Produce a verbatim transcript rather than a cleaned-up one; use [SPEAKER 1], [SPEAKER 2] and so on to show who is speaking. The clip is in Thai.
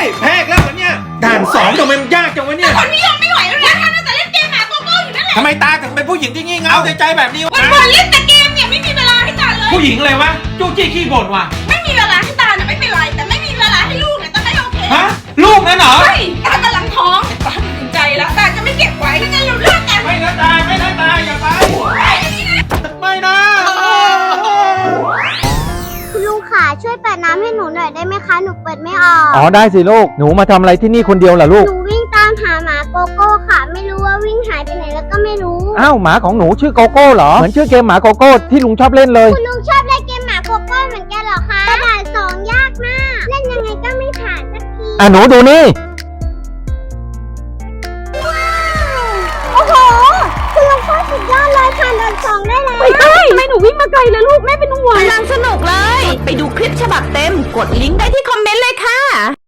[SPEAKER 1] แพ้แล้วเหรอเนี่ยด่านสองทำไมมันยากจังวะเนี่ย
[SPEAKER 2] คนพี่ยอมไม่ไหวแล้วนะท่านแต่เล่นเกมหมาโกโก้อยู่นั่นแหละ
[SPEAKER 1] ทำไมตาถึงเป็นผู้หญิงที่งี่เง่าใจใจแบบนี้วะ
[SPEAKER 2] วันวันเล่นแต่เกมเนี่ยไม่มีเวลาให้ตาเลย
[SPEAKER 1] ผู้หญิงเลยวะจู้จี้ขี้บ่นว่ะ
[SPEAKER 2] ไม่มีเวลาให้ตาเนี่ยไม่เป็นไรแต่ไม่มีเวลาให้ลูกเนี่ยตาไม่โอเค
[SPEAKER 1] ฮะลูกนั่นเหรอ
[SPEAKER 2] ใช่ตากำลังท้องตาตัดสินใจแล้วตาจะไม่เก็บไว้ถ้างั้นเราเลิกกัน
[SPEAKER 1] ไม่นะตาไม่นะตาอย่าไปไม่นะ
[SPEAKER 3] คุณลุงขาช่วยเปิดน้ำให้หนูหน่อยได้ไหมคะหนูเปิดไม่ออก
[SPEAKER 4] อ๋อได้สิลูกหนูมาทำอะไรที่นี่คนเดียวเหรอลูก
[SPEAKER 3] หนูวิ่งตามหาหมาโกโก้ค่ะไม่รู้ว่าวิ่งหายไปไหนแล้วก็ไม่รู้
[SPEAKER 4] อ้าวหมาของหนูชื่อโกโก้เหรอเหมือนชื่อเกมหมาโกโก้ที่ลุงชอบเล่นเลย
[SPEAKER 3] คุณลุงชอบเล่นเกมหมาโกโก้เหมือนกันเหรอคะกระดาษสองยากมากเล่นยังไงก็ไม่ผ่านสักที
[SPEAKER 4] อ่ะหนูดูนี่
[SPEAKER 3] โอ้โหคุณลุงโคตรสุดยอดเลยผ่านด่านสองได้แล้ว
[SPEAKER 2] ไม่ได้ทำไมหนูวิ่งมาไกลเลยลูกแม่เป็นห่วง
[SPEAKER 5] กำลังสนุกเลย ไปดูคลิปฉบับเต็มกดลิงก์ได้ที่คอมเมนต์เลยค่ะ